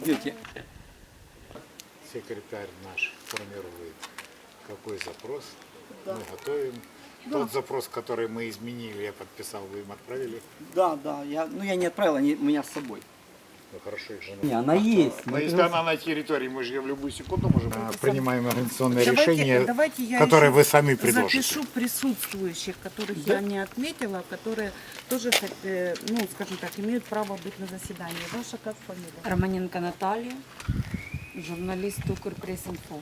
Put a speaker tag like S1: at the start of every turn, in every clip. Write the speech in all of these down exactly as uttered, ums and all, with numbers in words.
S1: Идете.
S2: Секретарь наш формирует, какой запрос
S1: Да.
S2: мы готовим.
S1: Да.
S2: Тот запрос, который мы изменили, я подписал, вы им отправили.
S1: Да, да, я, ну я не отправил, они у меня с собой.
S2: Ну хорошо, их же
S1: Не, она есть.
S2: Но
S1: Мы
S2: если
S1: пригласили.
S2: она на территории, мы же ее в любую секунду можем... Принимаем организационное
S3: Давайте-
S2: решение,
S3: давайте я
S2: которое
S3: еще
S2: вы сами предложите.
S3: Запишу присутствующих, которых
S1: Да.
S3: я не отметила, которые тоже, э, ну, скажем так, имеют право быть на заседании. Ваша как фамилия?
S4: Романенко Наталья, журналист Укрпресс-инфо.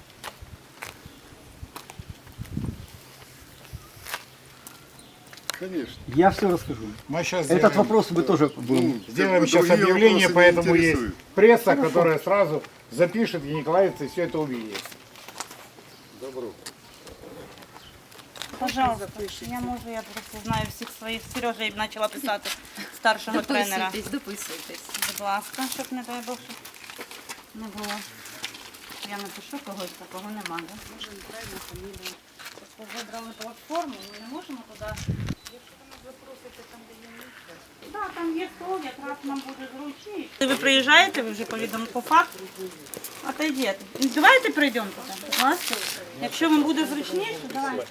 S5: Конечно.
S1: Я все расскажу.
S2: Мы сейчас
S1: Этот
S2: сделаем,
S1: вопрос мы тоже будем.
S2: сделаем
S5: Как бы
S2: сейчас
S5: другие
S2: объявление,
S5: вопросы не
S2: поэтому есть
S5: интересуют.
S2: пресса, которая сразу запишет, и Николаевцы все это увидит.
S5: Добро.
S6: Пожалуйста, я можу, я просто знаю всіх своїх. Сережа їм почала писати старшого тренера.
S4: Дописуйтесь, дописуйтесь.
S6: Будь ласка, щоб не дай Бог, щоб не було. Я напишу когось, такого нема, да? Може, неправильно фамілію. Просто вибрали платформу, ми не можемо туди. Якщо ви нас запросите там, де є місце. Так, там є стол, якраз нам буде зручніше. Ви приїжджаєте, ви вже повідомили по факту. Отойдете. Давайте прийдемо туди, будь ласка. Якщо вам буде зручніше, давайте.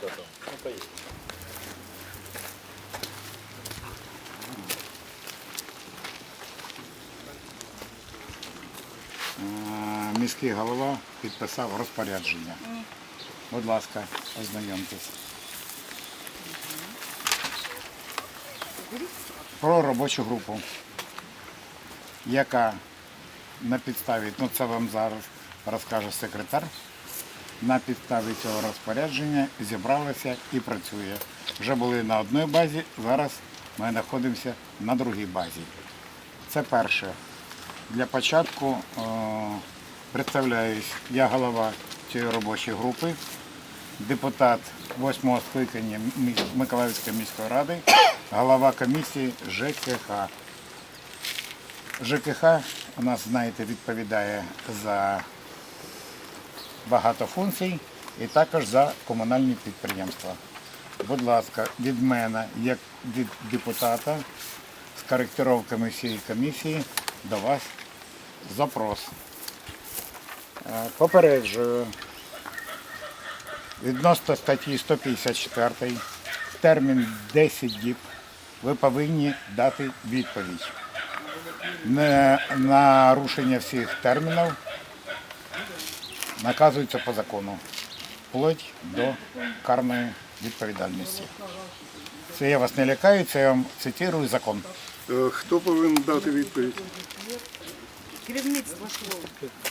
S2: Е, Міський голова підписав розпорядження. Будь ласка, ознайомтесь. Про робочу групу, яка на підставі, ну це вам зараз розкаже секретар, на підставі цього розпорядження зібралася і працює. Вже були на одній базі, зараз ми знаходимося на другій базі. Це перше. Для початку е, представляюсь, я голова цієї робочої групи, депутат восьмого скликання Мі- Миколаївської міської ради, голова комісії ЖКХ. ЖКХ у нас, знаєте, відповідає за багато функцій і також за комунальні підприємства. Будь ласка, від мене, як від депутата, з коректировками всієї комісії до вас запрос. Е, Попереджую, відносно статті сто п'ятдесят чотири, термін десять діб, ви повинні дати відповідь. Не нарушення всіх термінів наказується по закону, вплоть до карної відповідальності. Це я вас не лякаю, це я вам цитую закон.
S5: Е, Хто повинен дати відповідь?
S6: Керівництво школи.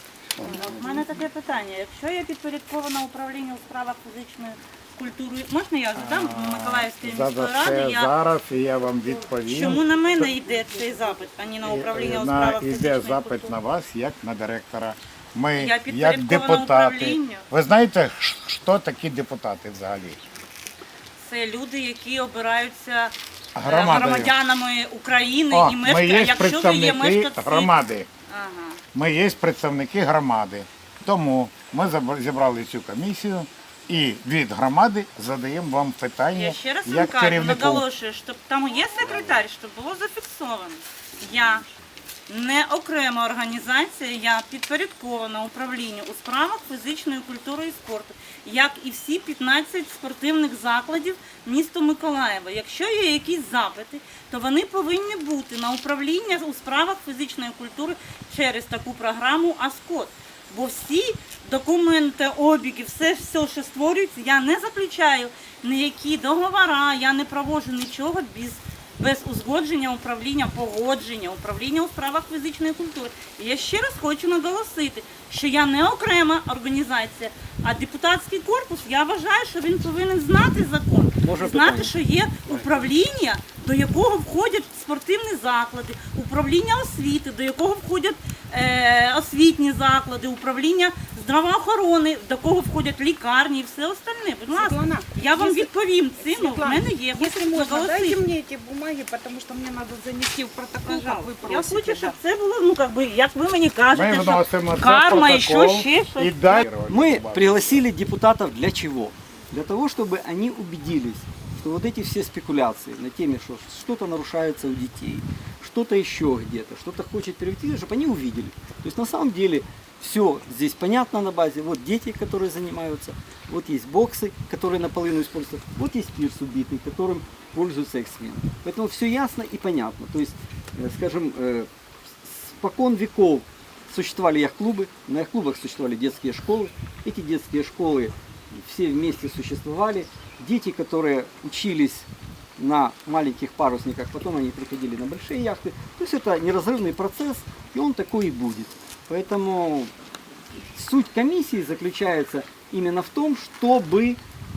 S6: У мене таке питання. Якщо я підпорядкована управлінню у справах фізичної культури, можна я задам Миколаївської
S2: За
S6: міської
S2: це
S6: ради? Я...
S2: зараз і я вам відповім.
S6: Чому на мене йде цей запит, а не на управління у
S2: На,
S6: справах
S2: іде
S6: фізичної
S2: запит
S6: культури?
S2: на вас як на директора. Ми,
S6: Я
S2: як
S6: підпорядкована
S2: депутати.
S6: управлінню.
S2: Ви знаєте, ш- що такі депутати взагалі?
S6: Це люди, які обираються е,
S2: Громадою.
S6: громадянами України
S2: О,
S6: і
S2: ми
S6: мешкають.
S2: є
S6: Якщо ви є
S2: представники
S6: мешканці
S2: громади.
S6: Ага.
S2: Ми є представники громади. Тому ми заб- зібрали цю комісію і від громади задаємо вам питання
S6: Я ще раз вам
S2: як
S6: кажу,
S2: керівнику.
S6: наголошую, щоб там є секретар, щоб було зафіксовано. Я не окрема організація, я підпорядкована управлінню у справах фізичної культури і спорту, як і всі п'ятнадцять спортивних закладів міста Миколаєва. Якщо є якісь запити, то вони повинні бути на управління у справах фізичної культури через таку програму АСКОД. Бо всі документи, обіги, все, все, що створюється, я не заключаю ніякі договори, я не проводжу нічого без, без узгодження управління, погодження, управління у справах фізичної культури. І я ще раз хочу наголосити, що я не окрема організація, а депутатський корпус, я вважаю, що він повинен знати закон,
S1: Може
S6: знати,
S1: питання?
S6: що є управління, до якого входять спортивні заклади, управління освіти, до якого входять е, освітні заклади, управління здравоохорони, до кого входять лікарні і все остальне. Будь ласка,
S3: Светлана,
S6: я вам
S3: если-
S6: відповім цим, в
S3: Светлана,
S6: мене є.
S3: Если
S6: Хочу
S3: можно,
S6: наголосити.
S3: дайте мне эти бумаги, потому что мне надо занести в протокол, как вы
S6: Я
S3: просите.
S6: хочу, щоб
S3: да.
S6: це було, ну, як би, як ви мені
S2: Ми
S6: кажете, що
S2: вносимо це
S6: карма і
S2: в
S6: що
S2: протокол
S6: ще щось.
S2: і далі.
S1: Мы пригласили депутатов для чего? Для того, чтобы они убедились что вот эти все спекуляции на теме, что что-то нарушается у детей, что-то еще где-то, что-то хочет перейти, чтобы они увидели. То есть на самом деле все здесь понятно на базе. Вот дети, которые занимаются, вот есть боксы, которые наполовину используются, вот есть пирс убитый, которым пользуются их смены. Поэтому все ясно и понятно. То есть, э, скажем, э, спокон веков существовали яхт-клубы, на яхт-клубах существовали детские школы. Эти детские школы все вместе существовали. Дети, которые учились на маленьких парусниках, потом они приходили на большие яхты. То есть это неразрывный процесс, и он такой и будет. Поэтому суть комиссии заключается именно в том, чтобы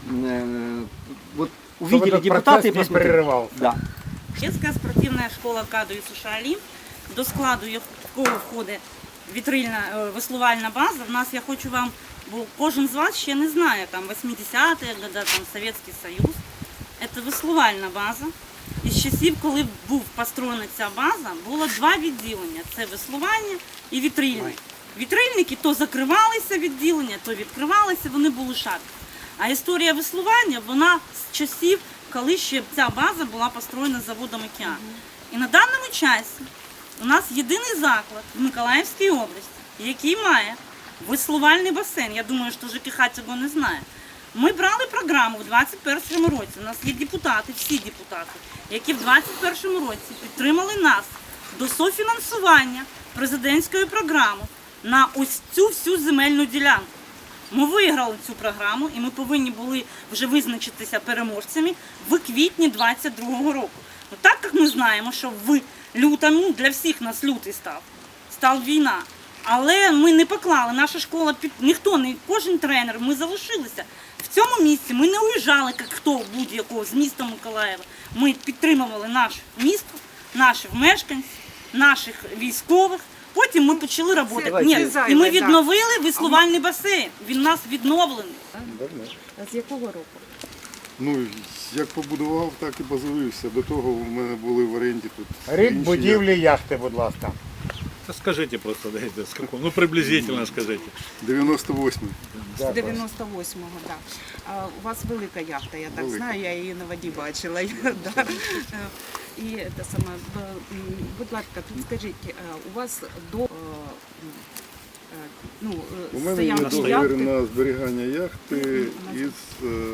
S1: э, вот увидели
S2: этот
S1: депутаты и
S2: процесс не
S1: посмотрели.
S2: прерывался.
S1: Да.
S6: Детська спортивна школа КАДу і Сушалім, до складу якого входить вітрильна е, веслувальна база. В нас, я хочу вам, бо кожен з вас ще не знає, там вісімдесяті роки, там Совєтський Союз. Це веслувальна база. І з часів, коли був построєна ця база, було два відділення. Це веслування і вітрильне. Вітрильники то закривалися відділення, то відкривалися, вони були шарки. А історія веслування, вона з часів, коли ще ця база була построєна заводом «Океан». І на даному часі у нас єдиний заклад в Миколаївській області, який має веслувальний басейн. Я думаю, що ЖКХ цього не знає. Ми брали програму в двадцять першому році. У нас є депутати, всі депутати, які в двадцять першому році підтримали нас до софінансування президентської програми на ось цю всю земельну ділянку. Ми виграли цю програму і ми повинні були вже визначитися переможцями в квітні двадцять другого року. Ну, так як ми знаємо, що в лютому для всіх нас лютий став, став війна. Але ми не поклали, наша школа, під ніхто, не кожен тренер, ми залишилися. В цьому місці ми не уїжджали, як хто будь-якого з міста Миколаєва. Ми підтримували наше місто, наших мешканців, наших військових. Потім ми почали працювати.
S1: Давайте.
S6: Ні,
S3: Це
S6: і
S3: зайве,
S6: ми
S3: да.
S6: відновили веслувальний басейн. Він у нас відновлений.
S3: А з якого року?
S5: Ну, як побудував, так і базуюся. До того в мене були в оренді тут.
S2: Рік
S5: інші
S2: будівлі яхти, будь ласка.
S7: Да скажите просто, дайте, с какого, ну приблизительно скажите.
S5: яхти. дев'яносто восьмий.
S3: З дев'яносто восьмого, так. Да. У вас велика яхта, я так
S5: Велика.
S3: знаю, я її на воді бачила. Да. І те саме, б- м, будь ласка, підскажіть, е, у вас до е, е, ну, е,
S5: У мене є
S3: стоянки
S5: договір
S3: яхти
S5: на зберігання яхти із е,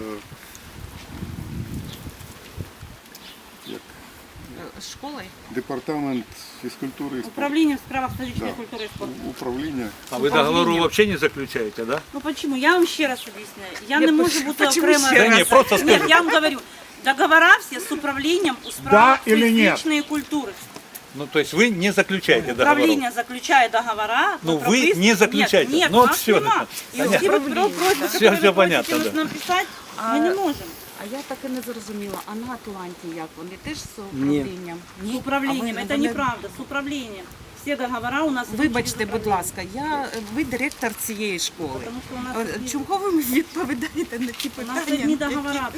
S5: як,
S3: е, з школою?
S5: департамент фізкультури і спорту.
S6: Управління в справах фізичної
S5: Да.
S6: культури і спорту.
S5: Управління.
S7: А вы договору вообще не заключаете, да?
S6: Ну почему? Я вам ще раз объясняю. Я
S3: Ні,
S6: не можу
S3: почему
S6: бути
S3: ще
S6: окремо.
S3: раз?
S7: Да не, просто
S6: Нет,
S7: скажите.
S6: я вам говорю. Договора все с управлением у справах
S2: Да или нет?
S6: физичной культуры.
S7: Ну то есть вы не заключаете договору.
S6: Управление заключает договора.
S7: Ну,
S6: по
S7: вы
S6: прописке-
S7: не заключаете.
S6: Нет, нет,
S7: Ну,
S6: у нас
S7: всё,
S6: нема. И
S7: понятно.
S6: все вот про- просьбы,
S7: Всё-
S6: которые
S7: всё
S6: вы
S7: понятно,
S6: просите
S7: да.
S6: нам писать,
S3: А-
S6: мы не можем.
S3: А я так і не зрозуміла, а на Атланті як? Вони теж з управлінням?
S6: С управлением.
S3: А ви-
S6: Это
S3: вони-
S6: неправда. С управлением. Все договора у нас идут
S3: Вибачте,
S6: через
S3: будь
S6: управление.
S3: ласка, я, ви директор цієї школи.
S6: Потому что у нас
S3: Е,
S6: есть-
S3: Чого ви відповідаєте на ті
S6: У нас
S3: питання?
S6: одни договора.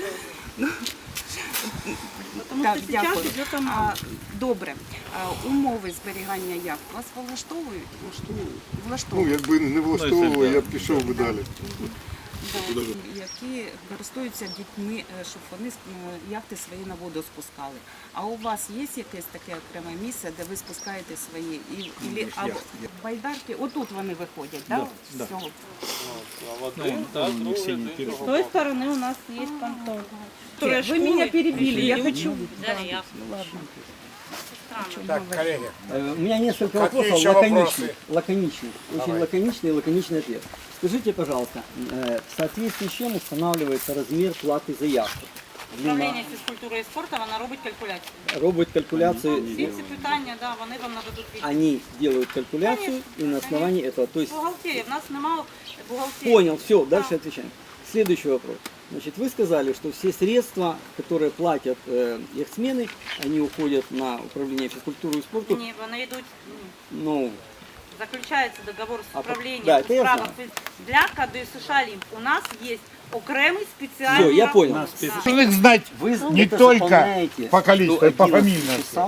S6: Потому
S3: Так,
S6: что сейчас
S3: дякую.
S6: идет
S3: А,
S6: омана.
S3: добре. А, умови зберігання яхт вас влаштовують?
S5: Ну,
S3: Влаштовують.
S5: якби не влаштовувало,
S7: Ну,
S5: я б пішов би далі.
S3: Да, які користуються дітьми, е, щоб вони е, яхти свої на воду спускали. А у вас є якесь таке окреме місце, де ви спускаєте свої і, і, або байдарки? Отут вони виходять, так?
S7: да.
S3: З цього?
S7: Ну, там у них синий пирог.
S6: С той стороны у нас есть понтон.
S3: Вы меня перебили, я хочу...
S6: Взяли яхту.
S3: Ладно.
S6: Странно.
S2: Так, колеги.
S1: Э, У меня несколько
S2: Какие
S1: вопросов
S2: еще
S1: лаконичных.
S2: вопросы?
S1: Лаконичных. Очень
S2: Давай.
S1: лаконичный и лаконичный ответ. Скажите, пожалуйста, э, в соответствии с чем устанавливается размер платы за яхту?
S6: Управління фізкультури і спорту, вона робить калькуляцію.
S1: Робот калькуляции,
S6: Всі ці питання, да, вони вам нададуть відповідь.
S1: они делают калькуляцию и на основании этого, то есть
S6: Бухгалтерія, в нас немає бухгалтерії.
S1: понял, все, дальше отвечаем. Следующий вопрос. Значит, вы сказали, что все средства, которые платят э, яхтсмены, они уходят на управление физкультуры и спорту.
S6: Ні, вони йдуть, ні.
S1: Ну,
S6: Заключається договор з
S1: А,
S6: управлінням
S1: да,
S6: у
S1: це я
S6: справах фіз- для КАДу і США Лімп. У нас є окремий спеціальний
S1: Все, я
S6: рахунок.
S1: понял.
S6: Да.
S2: Должны знать
S1: вы
S2: не
S1: это
S2: только
S1: заполняете
S2: по количеству,
S1: до
S2: и по
S1: одиннадцати
S2: фамильности.
S1: числа,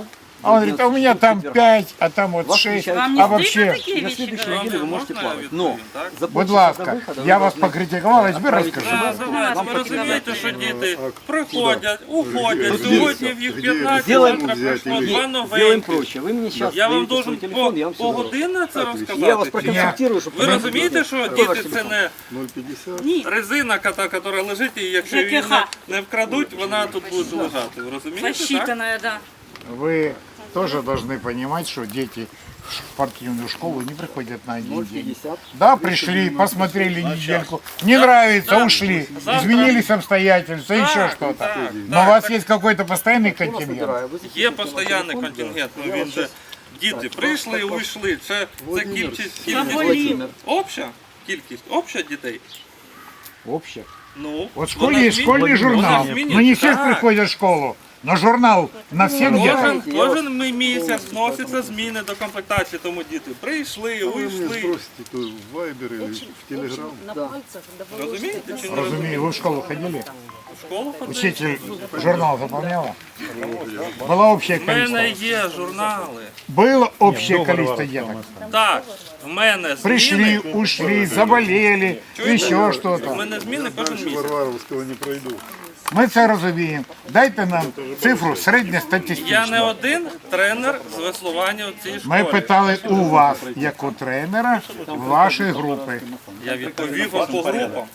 S2: А он говорит, а у меня там пять, а там вот
S1: Вас
S2: шесть,
S1: включают.
S6: Вам не
S2: а
S6: стыдно
S2: вообще...
S6: такие
S1: На
S6: вещи
S1: следующей
S6: говорить?
S1: неделе вы можете плавать. Но за
S2: Будь
S1: полчаса до
S2: ласка,
S1: выхода вы
S2: я вас
S1: должны-
S2: покритикував, а тепер розкажу.
S6: Називається,
S1: Вам
S6: ви
S1: потрібно
S6: розумієте, що діти
S5: А
S6: приходять, уходять,
S5: Где?
S6: сьогодні в їх
S5: Где?
S6: п'ятнадцять,
S1: Сделаем,
S6: завтра
S5: взять
S6: прийшло
S5: или-
S6: два
S1: сделаем
S6: новеньких.
S1: проще. Вы мне сейчас
S6: Я вам
S1: даете
S6: должен
S1: свой телефон, я
S6: по,
S1: вам все
S6: по
S1: говорю.
S6: годинно це
S1: Я вас
S6: розказати? чи ні?
S1: проконсультирую, чтобы
S6: Ви розумієте, що
S1: Какой ваш
S6: діти це
S1: телефон?
S6: не
S5: ноль пятьдесят.
S3: Ні,
S6: резина, яка яка лежить, і якщо її
S3: ЖКХ.
S6: не, не вкрадуть, вона тут буде лежати. Ви розумієте, так?
S3: посчитанная, да.
S2: Вы тоже должны понимать, что дети в спортивную школу не приходят на один
S1: ноль
S2: день.
S1: пятьдесят.
S2: Да, пришли, посмотрели недельку, не нравится,
S6: Да.
S2: ушли,
S6: Завтра.
S2: изменились обстоятельства,
S6: Так,
S2: еще что-то.
S6: так,
S2: Но
S6: так,
S2: у вас
S6: так.
S2: есть какой-то постоянный
S1: Я вас
S2: контингент?
S1: набираю, вы
S6: Є
S1: запишите мой
S6: постійний
S1: телефон,
S6: контингент,
S1: да.
S6: ну
S1: Я
S6: він
S1: вам
S6: же
S1: щас-
S6: діти прийшли, уйшли. Це, це
S5: Володимир,
S6: кількість,
S3: Заболів.
S6: кількість
S1: Владимир.
S6: обща, кількість обща дітей.
S2: Общее.
S6: Ну,
S2: Вот в школе
S6: вона
S2: есть
S6: змін-
S2: школьный
S6: вона
S2: журнал,
S6: змінюється.
S2: но не все
S6: Так.
S2: приходят в школу. Но журнал на всем детям.
S6: Кожен,
S1: Я
S6: кожен мій місяць вносяться зміни до комплектації, тому діти прийшли,
S5: А вы меня
S6: уйшли.
S5: спросите, то в Вайбер или в Телеграм.
S6: Розумієте чи не
S2: Разумею,
S6: розумієте?
S2: вы в школу ходили?
S6: В школу ходили?
S2: Учитель журнал заполняла? Было общее
S6: В мене
S2: количество?
S6: є журнали.
S2: Было общее количество деток?
S6: Так, в мене
S2: Пришли,
S6: зміни.
S2: ушли, заболели, еще
S6: В
S2: что-то.
S6: мене зміни кожен
S5: Дальше
S6: місяць.
S5: Варваровского не пройду.
S2: Ми це розуміємо. Дайте нам цифру
S6: Я не
S2: середньостатистичну.
S6: один тренер з веслування у цій
S2: Ми
S6: школі.
S2: питали у вас, як у тренера, вашої групи.
S6: Я відповів вам по групам.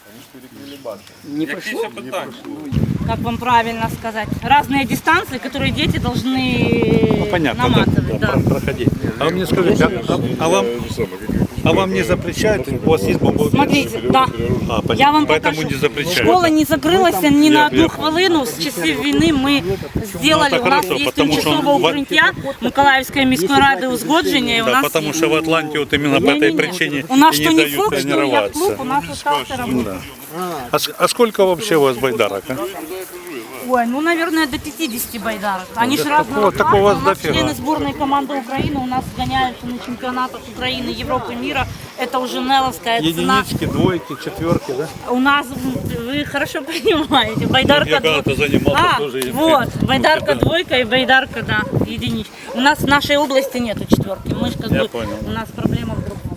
S1: Не
S6: Які
S1: прошло?
S6: ще питання?
S8: как вам правильно сказать, разные дистанции, которые дети должны
S7: Понятно,
S8: наматывать.
S7: да,
S8: Да.
S7: про- проходить. А вы мне скажите, а, а- а вам, а вам не запрещают? У вас есть бомбоубежище?
S8: Смотрите, да.
S7: А, понятно.
S8: Я вам
S7: Поэтому
S8: покажу.
S7: не запрещают.
S8: Школа не закрылась ни на
S7: Я-
S8: одну
S7: я-
S8: хвилину. С часів війни ми сделали,
S7: Ну, это
S8: у нас
S7: хорошо,
S8: есть
S7: потому что
S8: тимчасове
S7: он в-
S8: укриття Миколаївської міської ради узгодження. І у
S7: Да,
S8: нас
S7: потому что в Атланте вот именно по этой
S8: Не-не-не.
S7: причине
S8: у нас
S7: и
S8: что
S7: не
S8: не
S7: дают
S8: флот, что
S7: тренироваться.
S8: яхт-клуб, у нас остался работать.
S7: А, с- а сколько вообще у вас байдарок? А?
S8: Ой, ну, наверное, до пятидесяти байдарок. Они же разного
S7: такого-
S8: класса.
S7: такого
S8: У нас
S7: дофига.
S8: члены сборной команды Украины, у нас гоняются на чемпионатах Украины, Европы, мира. Это уже Неловская цена.
S7: Единички, двойки, четверки, да?
S8: У нас, вы хорошо понимаете, байдарка
S7: Я когда-то
S8: двойка.
S7: занимался
S8: А,
S7: тоже. и-
S8: вот,
S7: ну,
S8: байдарка
S7: да.
S8: двойка и байдарка, да, единичка. У нас в нашей области нету четверки, мы ж как
S7: Я
S8: бы,
S7: понял.
S8: у нас проблема в другом.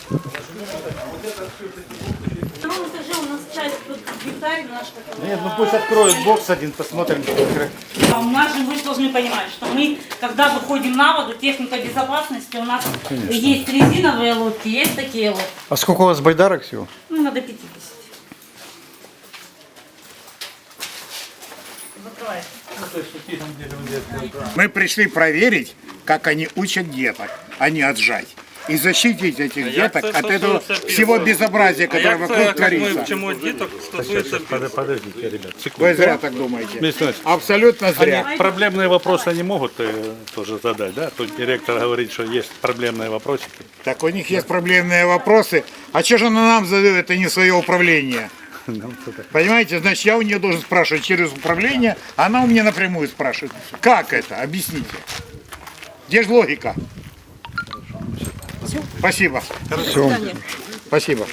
S8: На втором этаже у нас часть тут гектарь наш.
S9: Нет, ну пусть откроют бокс один, посмотрим.
S8: А у нас же вы должны понимать, что мы, когда выходим на воду, техника безопасности, у нас есть резиновые лодки, есть такие лодки.
S9: А сколько у вас байдарок всего?
S8: Ну, надо пятьдесят. Закрывай.
S2: Мы пришли проверить, как они учат деток, а не отжать. И защитить этих
S6: як
S2: деток
S6: це
S2: от этого
S6: стосується
S2: всего
S6: півроку?
S2: безобразия,
S6: А
S2: которое
S6: як це,
S2: вокруг
S6: як ми
S2: творится.
S6: вчимо діток, стосується
S7: Под- Подождите, ребят,
S2: Вы
S7: секунду.
S2: зря так думаете.
S7: Михаил Иванович,
S2: Абсолютно зря.
S7: они проблемные вопросы они могут э, тоже задать, да? Тут директор говорит, что есть проблемные вопросики.
S2: Так у них есть проблемные вопросы. А что же она нам задает, это не свое управление? Понимаете, значит, я у нее должен спрашивать через управление, а она у меня напрямую спрашивает. Как это? Объясните. Где же логика? Спасибо. Спасибо.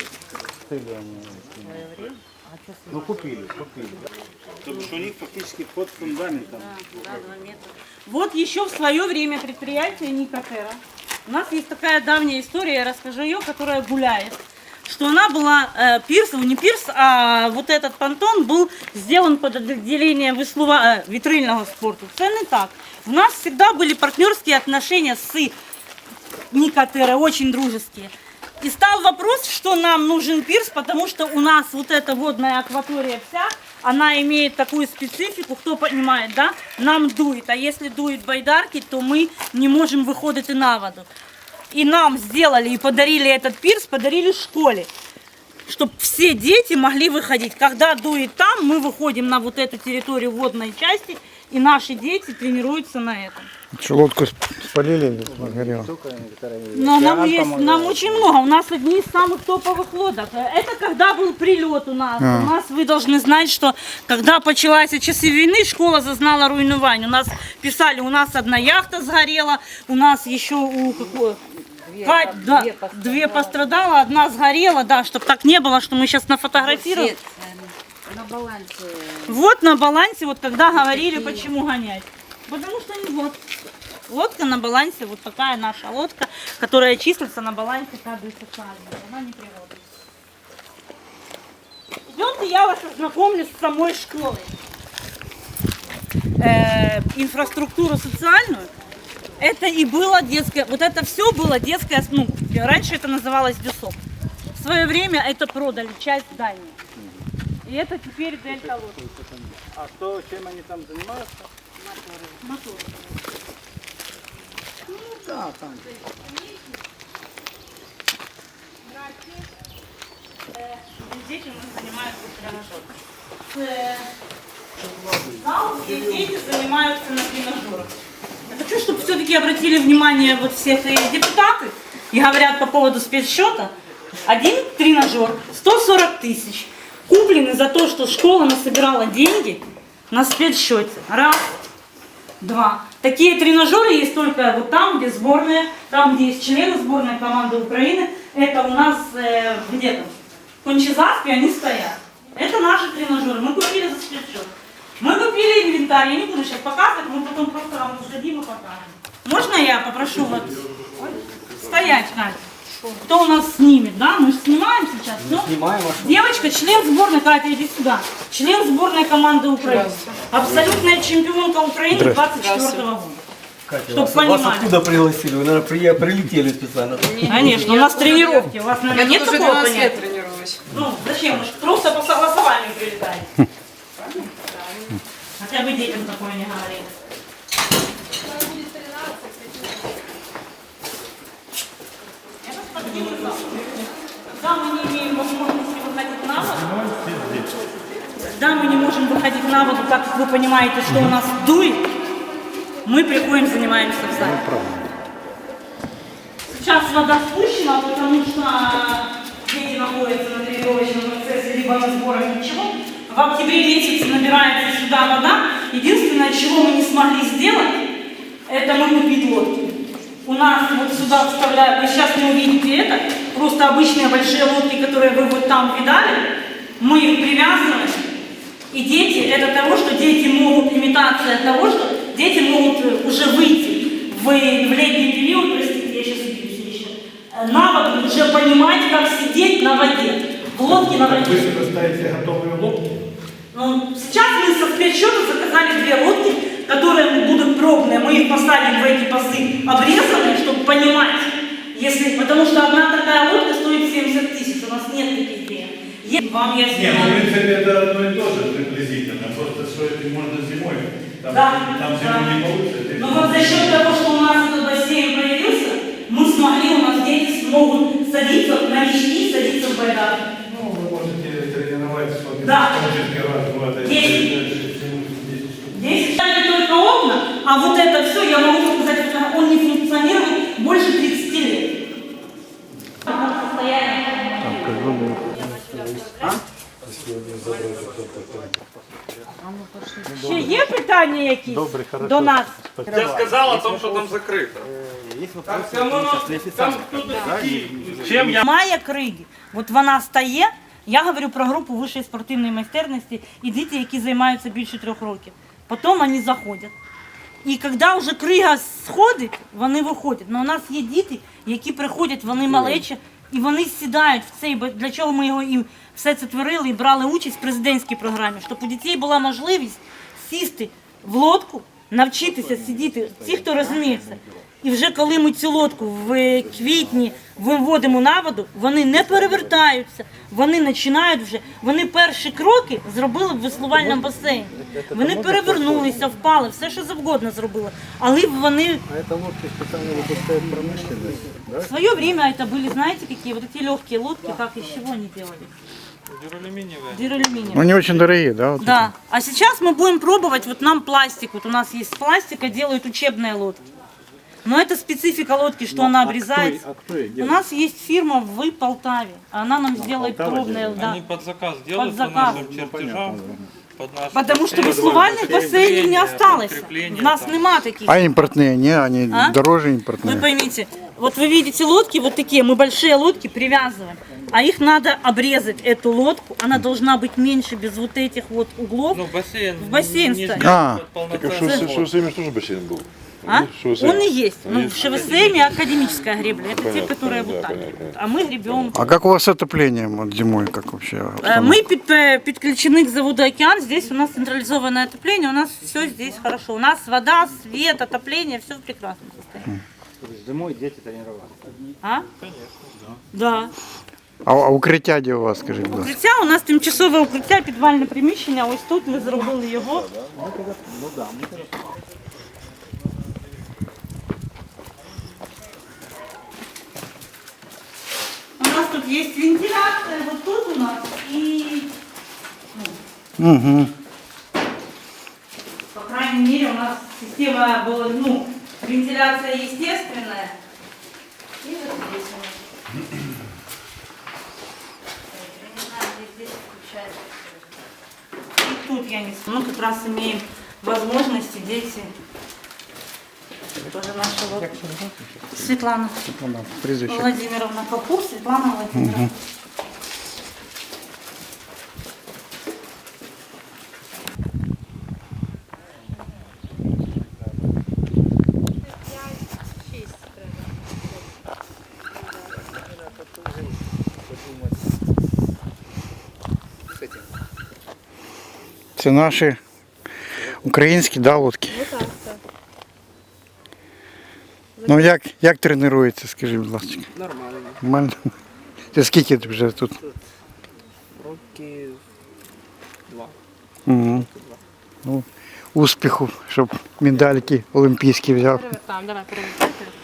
S8: Вот еще в свое время предприятие Никотера. У нас есть такая давняя история, я расскажу ее, которая гуляет. Что она была, э, пирс, не пирс, а вот этот понтон был сделан под отделение веслува, э, витрильного спорту. Це не так. У нас всегда были партнерские отношения с Никотера, очень дружеские. И стал вопрос, что нам нужен пирс, потому что у нас вот эта водная акватория вся, она имеет такую специфику, кто понимает, да, нам дует. А если дует байдарки, то мы не можем выходить и на воду. И нам сделали и подарили этот пирс, подарили школе, чтобы все дети могли выходить. Когда дует там, мы выходим на вот эту территорию водной части, и наши дети тренируются на этом.
S9: Что, лодку спалили, горело?
S8: Но нам, есть, нам очень много. У нас одни из самых топовых лодок. Это когда был прилет у нас.
S9: А.
S8: У нас вы должны знать, что когда началась часы войны, школа зазнала руйнування. У нас писали, у нас одна яхта сгорела, у нас еще у какой... Две, да, две пострадала, одна сгорела, да, чтобы так не было, что мы сейчас нафотографируем.
S4: На балансе.
S8: Вот на балансе, вот когда говорили, почему гонять. Потому что вот Лодка на балансе, вот такая наша лодка, которая числится на балансе каждой социальной. Она не приводит. Идемте, я вас ознакомлю с самой школой. Э, инфраструктуру социальную. Это и было детское, вот это все было детское, ну, раньше это называлось ДЮСОП. В свое время это продали, часть здания. И это теперь Дельта лодка.
S9: А что, чем они там занимаются?
S8: Мотор.
S1: Ну да, там.
S8: Дети у нас занимаются тренажером. Зал, где дети занимаются на тренажерах. Я хочу, чтобы все-таки обратили внимание вот все эти депутаты и говорят по поводу спецсчета. Один тренажер сто сорок тысяч. Куплены за то, что школа насобирала деньги на спецсчете. Раз, два. Такие тренажеры есть только вот там, где сборная, там, где есть члены сборной команды Украины. Это у нас э, где там? В Кончезаспе они стоят. Это наши тренажеры. Мы купили за спецсчет. Мы купили инвентарь. Я не буду сейчас показывать, мы потом просто вам сдадим и покажем. Можно я попрошу вот стоять, Катя? Кто у нас снимет, да? Мы же снимаем сейчас. Ну,
S1: Снимаем, а что?
S8: девочка, член сборной, Катя, иди сюда. Член сборной команды Украины. Абсолютная чемпионка Украины двадцать четвёртого года.
S1: Катя,
S8: Чтоб
S1: вас, вас
S8: понимали.
S1: откуда пригласили? Вы, наверное, при- прилетели специально.
S8: Конечно, у нас тренировки. У вас, наверное, нет такого понятия?
S4: тренируюсь.
S8: Ну, зачем? Мы же просто по согласованию прилетаем. Хотя бы детям такое не говорили. Когда мы не имеем возможности выходить на воду, когда мы не можем выходить на воду, так как вы понимаете, что у нас дует, мы приходим, занимаемся в зале. Сейчас вода спущена, потому что дети находятся на тренировочном процессе, либо на сборах, ничего. В октябре месяце набирается сюда вода. Единственное, чего мы не смогли сделать, это мы купить лодки. У нас вот сюда вставляют, вы сейчас не увидите это, просто обычные большие лодки, которые вы вот там видали, мы их привязываем. И дети, это того, что дети могут, имитация того, что дети могут уже выйти в, в летний период, простите, я сейчас убьюсь еще, на воду, уже понимать, как сидеть на воде, в лодке на воде.
S7: Вы себе ставите готовые лодки?
S8: Ну, сейчас мы со спецсчета заказали две лодки, которые будут пробные, мы их посадим в эти пасы обрезанные, чтобы понимать, если, потому что одна такая лодка стоит семьдесят тысяч, у нас нет таких денег. Вам я
S7: Нет,
S8: снимаю.
S7: ну, в принципе, это одно и то же приблизительно, просто что это можно зимой, там,
S8: Да,
S7: там
S8: да.
S7: зимой не получится.
S8: Но вот за счет того, что у нас этот бассейн появился, мы смогли, у нас дети смогут садиться на мечти, садиться в байдарку.
S7: Ну, вы можете тренировать сколько
S8: Да.
S7: раз, два, три,
S8: Десять. Здесь это только окна, а вот это все, я могу сказать, что он не функционирует больше тридцати лет. Ще є питання якісь
S9: Добре, хорошо.
S8: до нас?
S10: Я сказал о том, что там закрыто.
S1: Есть вопросы
S10: Чем я...
S8: Має криги, от вона стає, я говорю про групу вищої спортивної майстерності і діти, які займаються більше трьох років. Потім вони заходять. І коли вже крига сходить, вони виходять. Але у нас є діти, які приходять, вони малечі, і вони сідають в цей, для чого ми його і все це творили і брали участь в президентській програмі, щоб у дітей була можливість сісти в лодку, навчитися сидіти, ті, хто розуміється. І вже коли ми цю лодку в квітні виводимо на воду, вони не перевертаються, вони починають вже, вони перші кроки зробили в веслувальному басейні. Вони перевернулися, впали, все що завгодно зробили. Але вони...
S9: А это лодки специально выпускают промышленность, да?
S8: В свое время это были, знаете, какие? Вот эти легкие лодки, как из чего они делали?
S10: Дюралюминиевая.
S8: Дюралюминиевые.
S9: Ну, не очень дорогие, да? Вот
S8: Да. А сейчас мы будем пробовать, вот нам пластик, вот у нас есть пластика, делают учебные лодки. Но это специфика лодки, что она обрезается.
S9: А кто их
S8: У
S9: делает?
S8: нас есть фирма в Полтаве, она нам сделает
S9: Полтава
S8: пробные, да.
S10: Они под заказ делают
S8: Под
S10: по
S8: заказ.
S10: нашим чертежам. Под наши
S8: Потому что
S10: чертежи.
S8: веслувальных бассейнов не осталось.
S10: подкрепление,
S8: У нас
S10: там.
S8: нема таких.
S9: А импортные, не, они
S8: А?
S9: дороже
S8: Вы
S9: импортные.
S8: поймите, Вот вы видите лодки вот такие, мы большие лодки привязываем, а их надо обрезать, эту лодку, она должна быть меньше, без вот этих вот углов,
S10: Ну, бассейн.
S8: в бассейн
S10: не
S8: ставить.
S9: А.
S10: полноценный.
S5: Так а що з цим теж басейн був?
S8: А?
S5: Шоссе.
S8: Он и есть. Ну,
S5: Есть.
S8: в ШВСМ академическая гребля. Это те,
S5: Понятно,
S8: которые вот
S5: да,
S8: так.
S5: понятно.
S8: А мы гребем.
S9: А как у вас с отоплением вот зимой, как вообще?
S8: Э,
S9: обстановка?
S8: Мы під- э, подключены к заводу «Океан». Здесь у нас централизованное отопление. У нас все здесь хорошо. У нас вода, свет, отопление, все в прекрасном состоянии.
S1: Зимой дети тренировались.
S8: А? Да.
S9: А, а укриття де у вас, скажіть, будь ласка?
S8: Укриття у нас тимчасове укриття, підвальне приміщення. Ось тут ми зробили його. У нас тут есть вентиляция, вот тут у нас и,
S9: Угу.
S8: по крайней мере, у нас система была, ну, вентиляция естественная. И вот здесь у нас. Я не знаю, где здесь включается. И тут я не знаю. Ну, как раз имеем возможности, дети. Тоже наша вот Светлана
S9: Прізвище.
S8: Владимировна Капур, Светлана Владимировна.
S9: Це наші українські, да, лодки?
S11: Ну так, так.
S9: Ну як, як тренується, скажіть, будь ласка?
S11: Нормально.
S9: Нормально? Ти скільки ти вже тут?
S11: Роки два.
S9: Угу. Ну, успіху, щоб медальки олімпійські взяв.
S11: Там, давай, перевертайте.